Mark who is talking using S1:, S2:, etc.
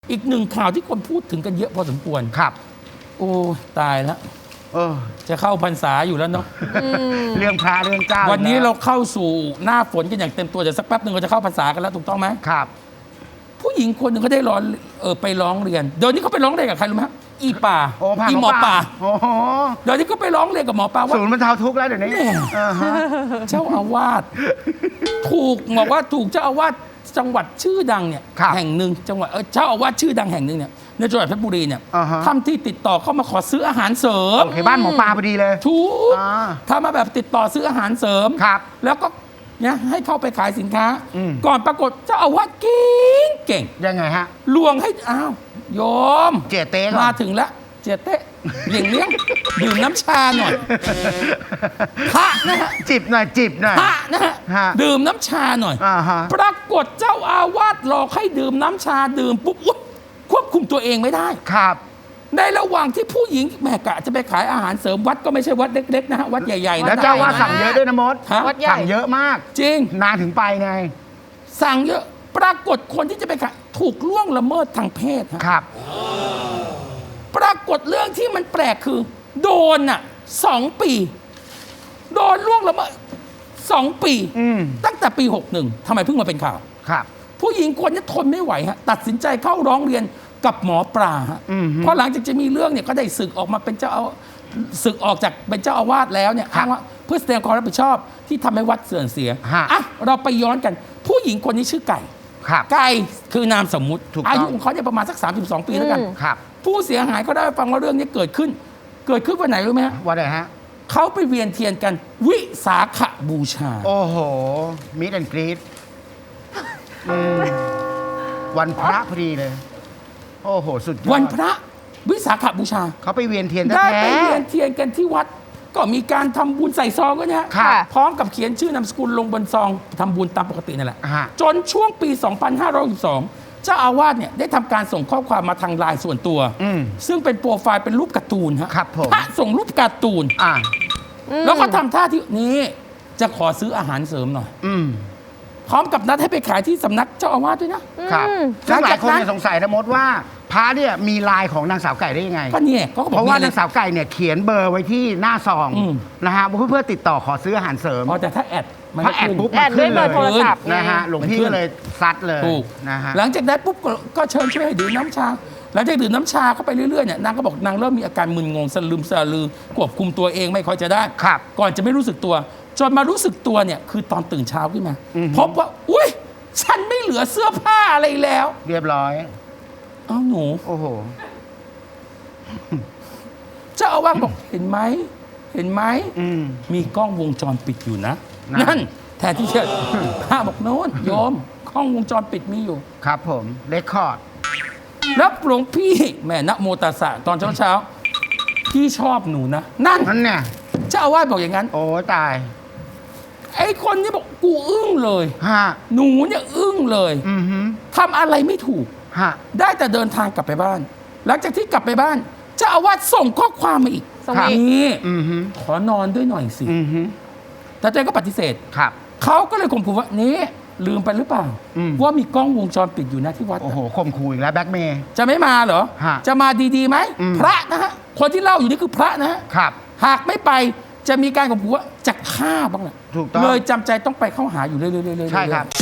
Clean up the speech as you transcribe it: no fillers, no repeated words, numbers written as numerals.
S1: อีกหนึ่งข่าวที่คนพูดถึงกันเยอะพอสมควร
S2: ครับ
S1: โอ้ตายแล้วจะเข้าพรรษาอยู่แล้วเนาะ
S2: เรื่องพระเรื่องเจ้า
S1: วันนี้เราเข้าสู่หน้าฝนกันอย่างเต็มตัวเดี๋ยวสักแป๊บหนึ่งเราจะเข้าพรรษากันแล้วถูกต้องไหม
S2: ครับ
S1: ผู้หญิงคนหนึ่งเขาได้ร้องไปร้องเรียนเดี๋ยวนี้เขาไปร้องเรียนกับใครรู้ไหมอีป่าอีหมอป่าเดี๋ยวนี้ก็ไปร้องเรียนกับหมอป่าว่า
S2: ศูนย์บรรเทาทุกข์แล้วเดี๋ยวนี้
S1: เจ้าอาวาสถูกบอกว่าถูกเจ้าอาวาสจังหวัดชื่อดังเนี่ยแห่งหนึ่งจังหวัดเจ้าอาวาสชื่อดังแห่งหนึ่งเนี่ยในจังหวัดเพชรบุรีเนี่ยทำที่ติดต่อเข้ามาขอซื้ออาหารเสริม
S2: โอเคบ้านหมอปลาพอดีเลย
S1: ถูกทำมาแบบติดต่อซื้ออาหารเสริมแล้วก็เนี่ยให้เข้าไปขายสินค้าก่อนปรากฏเจ้าอาวาสเก่ง
S2: ยังไงฮะ
S1: ลวงให้อ้าวโยม
S2: เจเต้
S1: มาถึงแล้วเจเต้เลี้ยงดื่มน้ำชาหน่อยพระนะฮะ
S2: จิบหน่อย
S1: พระนะฮะดื่มน้ำชาหน่อยปรากฏเจ้าอาวาสหลอกให้ดื่มน้ำชาดื่มปุ๊บควบคุมตัวเองไม่ได้
S2: ครับ
S1: ในระหว่างที่ผู้หญิงแม่กะจะไปขายอาหารเสริมวัดก็ไม่ใช่วัดเล็กๆนะฮะวัดใหญ่ๆนะ
S2: แล้วเจ้าว่าสั่งเยอะด้วยนะมดสั่งเยอะมาก
S1: จริง
S2: นานถึงไปไง
S1: สั่งเยอะปรากฏคนที่จะไปขายถูกล่วงละเมิดทางเพศ
S2: ครับ
S1: ปรากฏเรื่องที่มันแปลกคือโดน2 ปีโดนล่วงละเมิด2 ปีตั้งแต่ปี61ทำไมเพิ่งมาเป็นข่าว
S2: ครับ
S1: ผู้หญิงคนนี้ทนไม่ไหวฮะตัดสินใจเข้าร้องเรียนกับหมอปลาฮะเพราะหลังจากจะมีเรื่องเนี่ยก็ได้ศึกออกมาเป็นศึกออกจากเป็นเจ้าอาวาสแล้วเนี่ยอ้างว่าเพื่อแสดงความรับผิดชอบที่ทำให้วัดเสื่อมเสียอ่ะเราไปย้อนกันผู้หญิงคนนี้ชื่อไก่ไก่คือนามสมมุติอายุของเขาเนี่ยประมาณสัก32 ปีแล้วกันผู้เสียหายเขาได้ฟังว่าเรื่องนี้เกิดขึ้นวันไหนรู้ไหมฮะ
S2: วันไหนฮะ
S1: เขาไปเวียนเทียนกันวิสาขบูชา
S2: โอ้โหมิดแอนกรีดวันพระพอดีเลยโอ้โหสุดยอด
S1: วันพระวิสาขบูชา
S2: เขาไปเวียนเทียน
S1: ได้ไปเวียนเทียนกันที่วัดก็มีการทำบุญใส่ซองก็เนี่ยพร้อมกับเขียนชื่อนามสกุลลงบนซองทำบุญตามปกตินั่นแหละจนช่วงปี 2562เจ้าอาวาสเนี่ยได้ทำการส่งข้อความมาทางไลน์ส่วนตัวซึ่งเป็นโปรไฟล์เป็นรูปการ์ตูนฮะพระส่งรูปการ์ตูนแล้วก็ทำท่าที่นี้จะขอซื้ออาหารเสริมหน่อยพร้อมกับนัดให้ไปขายที่สำนักเจ้าอาวาสด้วย
S2: นะครับซึ่งหลายคนสงสัยนะมดว่าพระเนี่ยมีไลน์ของนางสาวไก่ได้ยังไง
S1: ก็เนี่ย
S2: เพราะว่านางสาวไก่เนี่ยเขียนเบอร์ไว้ที่หน้าซองนะฮะเพื่อติดต่อขอซื้ออาหารเสริม
S1: แต่ถ้าแอด
S2: ถ้าแอดปุ๊บ
S3: แอดด้วยเบอร์โทรศัพท์
S2: นะฮะหลวงพี่ก็เลยซัดเลย
S1: นะฮะหลังจากนั้นปุ๊บก็เชิญช่วยให้ดื่มน้ำชาหลังจากดื่มน้ำชาเข้าไปเรื่อยๆเนี่ยนางก็บอกนางเริ่มมีอาการมึนงงสลืมสลือควบคุมตัวเองไม่ค่อยจะได้ก่อนจะไม่รู้สึกตัวจนมารู้สึกตัวเนี่ยคือตอนตื่นเช้าขึ้นมาพบว่าอุ้ยฉันไม่เหลือเสื้อผ้าอะไรแล้ว
S2: เรียบร้อย
S1: อ้าวหนู
S2: โอ้โห
S1: เจ้าอาวาสบอกเห็นไหมมีกล้องวงจรปิดอยู่นะนั่นแทนที่จะพระบอกโน้นโยมกล้องวงจรปิดมีอยู่
S2: ครับผมเรคคอร์ด
S1: แล้วหลวงพี่แม่นะโมตัสสะตอนเช้าพี่ชอบหนูนะนั่น
S2: เนี่ย
S1: เจ้าอาวาสบอกอย่างนั้น
S2: โอ้ตาย
S1: ไอ้คนนี้บอกกูอึ้งเลยหนูเนี่ยอึ้งเลยทำอะไรไม่ถูกได้แต่เดินทางกลับไปบ้านหลังจากที่กลับไปบ้านเจ้าอาวาสส่งข้อความมาอีกนี่ขอนอนด้วยหน่อยสิแต่เจ้าก็ปฏิเสธเขาก็เลยข่มขู่ว่านี่ลืมไปหรือเปล่าว่ามีกล้องวงจรปิดอยู่นะที่วัด
S2: โอ้โหข่มขู่อีกแล้วแบ็คเมย์
S1: จะไม่มาเหรอจะมาดีๆไหมพระนะฮะคนที่เล่าอยู่นี่คือพระนะฮะหากไม่ไปจะมีการข่มขู่ว่าจะฆ่าบ้างแหละเลยจำใจต้องไปเข้าหาอยู่เรื่อยๆ
S2: ใช่ครับ